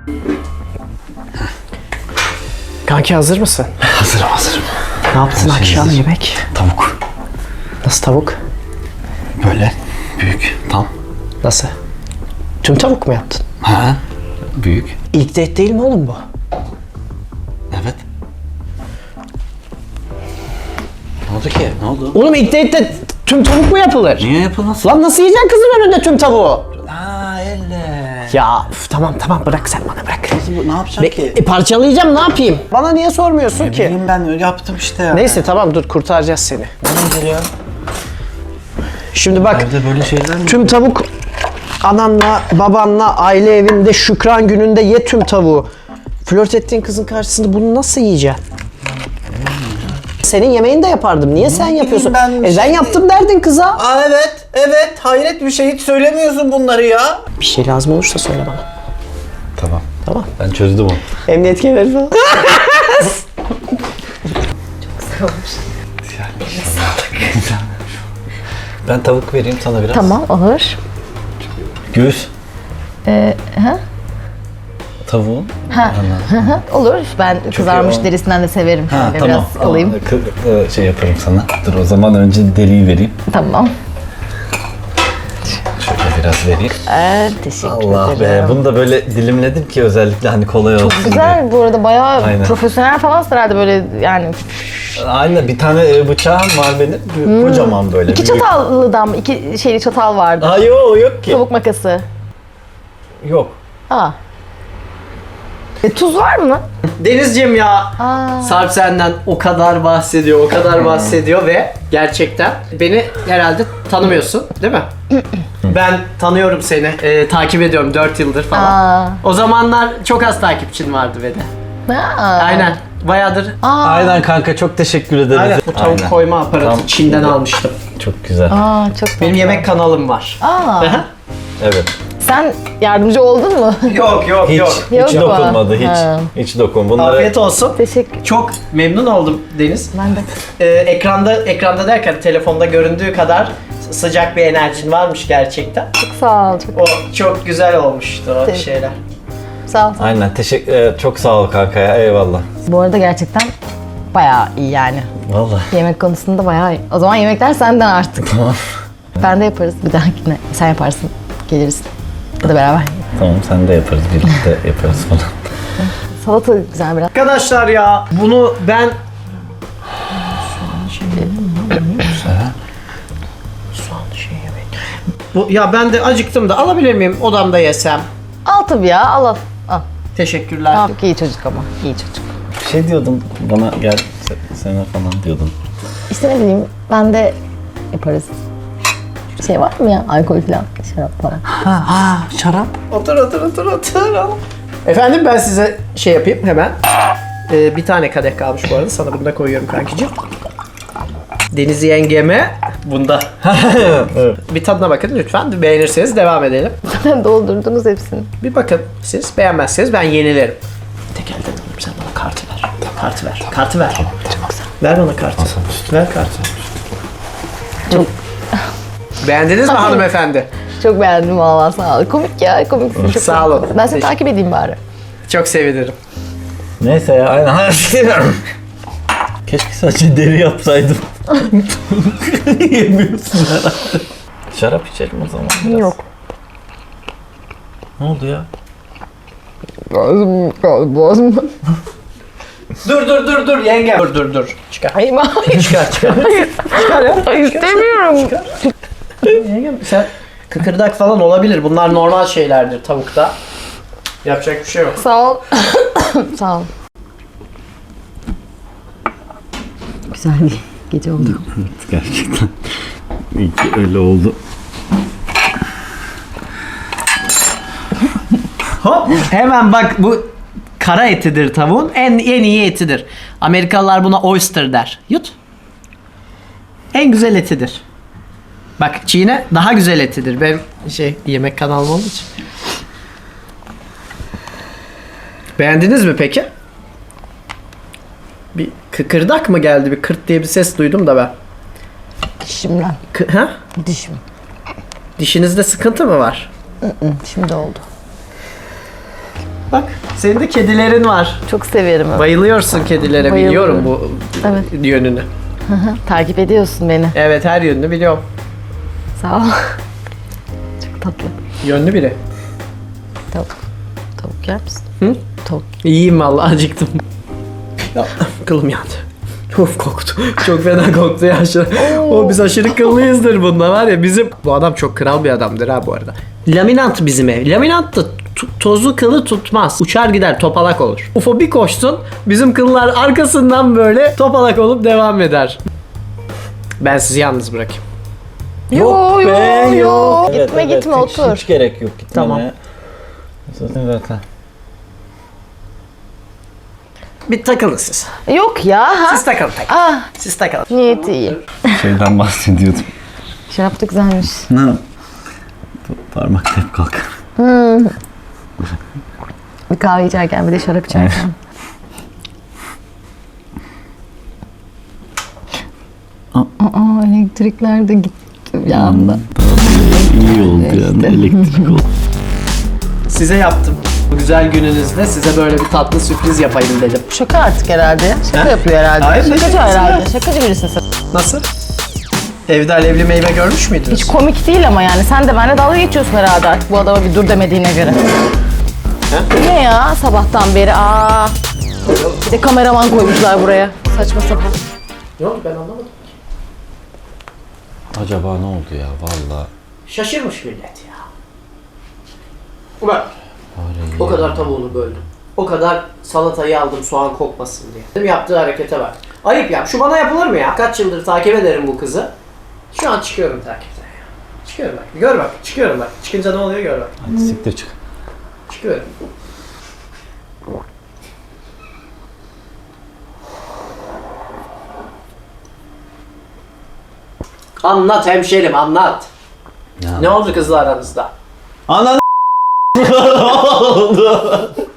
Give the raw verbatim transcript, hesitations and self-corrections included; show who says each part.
Speaker 1: Kanki hazır mısın?
Speaker 2: Hazırım hazırım.
Speaker 1: Ne yaptın
Speaker 2: Her şey
Speaker 1: akşam
Speaker 2: hazır.
Speaker 1: yemek?
Speaker 2: Tavuk.
Speaker 1: Nasıl tavuk?
Speaker 2: Böyle büyük tam.
Speaker 1: Nasıl? Tüm tavuk mu yaptın?
Speaker 2: Ha? Büyük.
Speaker 1: İlk date değil mi oğlum bu?
Speaker 2: Evet. Ne oldu ki? Ne oldu?
Speaker 1: Oğlum ilk date'de tüm tavuk mu yapılır?
Speaker 2: Niye yapılmasın?
Speaker 1: Lan nasıl yiyeceksin kızın önünde tüm tavuğu?
Speaker 2: Aa elle.
Speaker 1: Ya üf, tamam tamam bırak sen bana bırak.
Speaker 2: Bu ne yapacaksın
Speaker 1: Be-
Speaker 2: ki?
Speaker 1: e, parçalayacağım ne yapayım? Bana niye sormuyorsun
Speaker 2: Ne
Speaker 1: ki?
Speaker 2: bileyim ben öyle yaptım işte ya.
Speaker 1: Neyse tamam dur kurtaracağız seni.
Speaker 2: Ne ya?
Speaker 1: Şimdi bak
Speaker 2: Evde böyle şeyler mi?
Speaker 1: tüm tavuk ananla babanla aile evinde Şükran gününde ye tüm tavuğu. Flört ettiğin kızın karşısında bunu nasıl yiyeceksin? Senin yemeğini de yapardım. Niye sen yapıyorsun?
Speaker 2: ben
Speaker 1: e ben
Speaker 2: şey-
Speaker 1: yaptım derdin kıza.
Speaker 2: Aa evet, evet. Hayret bir şey. Hiç söylemiyorsun bunları ya.
Speaker 1: Bir şey lazım olursa söyle bana.
Speaker 2: Tamam.
Speaker 1: Tamam.
Speaker 2: Ben çözdüm onu.
Speaker 1: Emniyet kemeri falan.
Speaker 2: Ben tavuk vereyim sana biraz.
Speaker 3: Tamam olur.
Speaker 2: Göğüs.
Speaker 3: Ee, ha?
Speaker 2: Tavuğun.
Speaker 3: Ha. Olur. Ben kızarmış
Speaker 2: o-
Speaker 3: derisinden de severim.
Speaker 2: Ha
Speaker 3: Şöyle
Speaker 2: tamam.
Speaker 3: biraz alayım.
Speaker 2: Aa, kı- e, şey yaparım sana. Dur o zaman önce deliği vereyim.
Speaker 3: Tamam.
Speaker 2: Şöyle biraz vereyim.
Speaker 3: Ee, teşekkür
Speaker 2: Allah
Speaker 3: ederim.
Speaker 2: be. Bunu da böyle dilimledim ki özellikle hani kolay olsun diye.
Speaker 3: Güzel bu arada bayağı
Speaker 2: Aynen.
Speaker 3: profesyonel falan herhalde böyle yani.
Speaker 2: Aynen bir tane e, bıçağım var benim. Büyük, Kocaman böyle.
Speaker 3: İki
Speaker 2: büyük.
Speaker 3: çatallıdan mı? İki şeyli çatal vardı.
Speaker 2: Aa yok yok ki.
Speaker 3: Tavuk makası.
Speaker 2: Yok.
Speaker 3: Aa. E, tuz var mı?
Speaker 1: Denizciğim ya.
Speaker 3: Aa.
Speaker 1: Sarp senden o kadar bahsediyor, o kadar bahsediyor ve gerçekten beni herhalde tanımıyorsun değil mi? Ben tanıyorum seni, e, takip ediyorum dört yıldır falan.
Speaker 3: Aa.
Speaker 1: O zamanlar çok az takipçin vardı ve de.
Speaker 3: Aa.
Speaker 1: Aynen, bayağıdır.
Speaker 3: Aa.
Speaker 2: Aynen kanka çok teşekkür ederiz.
Speaker 1: Aynen. Bu tavuk
Speaker 2: Aynen.
Speaker 1: koyma aparatı
Speaker 2: Tam-
Speaker 1: Çin'den almıştım.
Speaker 2: Çok güzel.
Speaker 3: Aa çok tatlı.
Speaker 1: Benim yemek kanalım var.
Speaker 3: Aa.
Speaker 2: Evet.
Speaker 3: Sen yardımcı oldun mu?
Speaker 1: Yok yok
Speaker 2: Hiç,
Speaker 1: yok.
Speaker 3: Yok
Speaker 2: hiç
Speaker 3: mu?
Speaker 2: dokunmadı hiç.
Speaker 3: Ha.
Speaker 2: Hiç dokun. Bunları
Speaker 1: Afiyet olsun.
Speaker 3: Teşekkür.
Speaker 1: Çok memnun oldum Deniz.
Speaker 3: Ben de.
Speaker 1: Ee, ekranda ekranda derken telefonda göründüğü kadar sıcak bir enerjin varmış gerçekten.
Speaker 3: Çok sağ ol. Çok
Speaker 1: O çok güzel olmuştu o
Speaker 3: Te-
Speaker 1: şeyler.
Speaker 3: sağ ol.
Speaker 2: Aynen teşekkür e, çok sağ ol kanka ya eyvallah.
Speaker 3: Bu arada gerçekten bayağı iyi yani.
Speaker 2: Vallahi.
Speaker 3: Yemek konusunda bayağı iyi. O zaman yemekler senden artık.
Speaker 2: Tamam.
Speaker 3: Ben de yaparız bir dahakine. Sen yaparsın. Geliriz. Ya da beraber.
Speaker 2: Tamam sen de yaparız birlikte yaparız falan.
Speaker 3: Salata güzel biraz.
Speaker 1: Arkadaşlar ya bunu ben soğan şey yemeyin. Bu ya ben de acıktım da alabilir miyim odamda yesem?
Speaker 3: Al tabii ya. Al al. Al.
Speaker 1: Teşekkürler.
Speaker 3: Al. Çok iyi çocuk ama. İyi çocuk.
Speaker 2: Bir şey diyordun bana gel se- sana falan diyordun.
Speaker 3: İşte ne bileyim ben de yaparız. Şey var mı ya? Alkol falan. Şarap falan.
Speaker 2: Ha ha şarap.
Speaker 1: Otur otur otur otur. al. Efendim ben size şey yapayım hemen. Ee, bir tane kadeh kalmış bu arada. Sana bunu da koyuyorum kankicim. Deniz yengeme bunda. Bir tadına bakın lütfen. Beğenirseniz devam edelim.
Speaker 3: Zaten doldurdunuz hepsini.
Speaker 1: Bir bakın siz beğenmezseniz ben yenilerim. Tek elden alayım sen bana kartı ver. Kartı ver. Kartı ver. Çok güzel. Ver bana kartı. Ver kartı.
Speaker 3: Çok
Speaker 1: Beğendiniz mi hanımefendi?
Speaker 3: çok beğendim valla sağ ol. Komik ya komiksin. Çok
Speaker 1: Sağ olun.
Speaker 3: Ben seni takip edeyim bari.
Speaker 1: Çok sevinirim.
Speaker 2: Neyse ya aynen. Keşke sadece deri yapsaydım. Yemiyorsun herhalde. Şarap içelim o zaman biraz.
Speaker 3: Yok.
Speaker 2: Ne oldu ya?
Speaker 3: Boğazım, boğazım.
Speaker 1: Dur dur dur dur yengem. Dur dur dur. Çıkar.
Speaker 3: Hayır hayır.
Speaker 1: Çıkar çıkar. Çıkar ya.
Speaker 3: Hayır, istemiyorum.
Speaker 1: Yengem sen kıkırdak falan olabilir. Bunlar normal şeylerdir tavukta. Yapacak bir şey yok.
Speaker 3: Sağ ol. Sağ ol. Güzel bir gece oldu.
Speaker 2: Evet gerçekten. İyi ki öyle oldu.
Speaker 1: Hop hemen bak bu kara etidir tavuğun. En en iyi etidir. Amerikalılar buna oyster der. Yut. En güzel etidir. Bak çiğne daha güzel etidir. Benim şey yemek kanalım olduğu için. Beğendiniz mi peki? Bir kıkırdak mı geldi? Bir kırt diye bir ses duydum da ben.
Speaker 3: Dişimden.
Speaker 1: Kı- ha?
Speaker 3: Dişim.
Speaker 1: Dişinizde sıkıntı mı var?
Speaker 3: Hı, Şimdi oldu.
Speaker 1: Bak senin de kedilerin var.
Speaker 3: Çok severim.
Speaker 1: Bayılıyorsun kedilere,
Speaker 3: Bayılıyorum.
Speaker 1: biliyorum bu
Speaker 3: Evet.
Speaker 1: yönünü.
Speaker 3: Hı hı, takip ediyorsun beni.
Speaker 1: Evet, her yönünü biliyorum.
Speaker 3: Sağ ol. Çok tatlı.
Speaker 1: Yönlü biri.
Speaker 3: Tavuk. Tavuk yer misin?
Speaker 1: Hı?
Speaker 3: Tavuk.
Speaker 1: İyiyim vallahi, acıktım. Ya, kılım yandı. Of, koktu. Çok fena koktu ya. Aşırı. O biz aşırı kıllıyızdır bunda var ya. Bizim bu adam çok kral bir adamdır ha bu arada. Laminat bizim ev. Laminat da t- tozu kılı tutmaz. Uçar gider, topalak olur. Ufo bir koşsun, bizim kıllar arkasından böyle topalak olup devam eder. Ben sizi yalnız bırakayım.
Speaker 3: Yo,
Speaker 2: be,
Speaker 3: yo, yo.
Speaker 2: Evet,
Speaker 3: Gitme
Speaker 2: evet,
Speaker 3: gitme
Speaker 2: hiç,
Speaker 3: otur.
Speaker 2: Hiç gerek yok gitmene.
Speaker 1: Tamam.
Speaker 2: Zaten zaten.
Speaker 1: Bir takılın siz.
Speaker 3: Yok ya. Ha?
Speaker 1: Siz takılın takılın.
Speaker 3: Ah,
Speaker 1: Siz takılın.
Speaker 3: niyeti iyi.
Speaker 2: Şeyden bahsediyordum.
Speaker 3: Şarap da güzelmiş.
Speaker 2: Ne? Parmak hep kalk.
Speaker 3: Bir kahve içerken bir de şarap içerken. Aa, elektrikler de gitti bir anda.
Speaker 2: İyi oldu yani elektrik oldu.
Speaker 1: Size yaptım. Bu güzel gününüzde size böyle bir tatlı sürpriz yapayım dedim.
Speaker 3: Şaka artık herhalde. Şaka
Speaker 1: Ha?
Speaker 3: yapıyor herhalde.
Speaker 1: Hayır, ne
Speaker 3: Şakacı
Speaker 1: şakası
Speaker 3: herhalde.
Speaker 1: ya?
Speaker 3: Şakacı birisin sen.
Speaker 1: Nasıl? Evde alevli meyve görmüş müydünüz?
Speaker 3: Hiç komik değil ama yani. Sen de benimle dalga geçiyorsun herhalde artık bu adama bir dur demediğine göre. Ne ya sabahtan beri? Aa. Bir de kameraman koymuşlar buraya. Saçma sapan.
Speaker 1: Ne oldu, ben anlamadım.
Speaker 2: Acaba ne oldu ya valla?
Speaker 1: Şaşırmış millet ya. Bak. O kadar tavuğunu böldüm. O kadar salatayı aldım soğan kokmasın diye. Dedim, yaptığı harekete bak. Ayıp ya. Şu bana yapılır mı ya? Kaç yıldır takip ederim bu kızı. Şu an çıkıyorum takipten ya. Çıkıyorum bak. Gör bak. Çıkıyorum bak. Çıkınca ne oluyor gör bak.
Speaker 2: Hadi siktir çık.
Speaker 1: Çıkıyorum. Anlat hemşerim, anlat.
Speaker 2: Ya.
Speaker 1: Ne oldu kızla aranızda?
Speaker 2: Ananı oldu.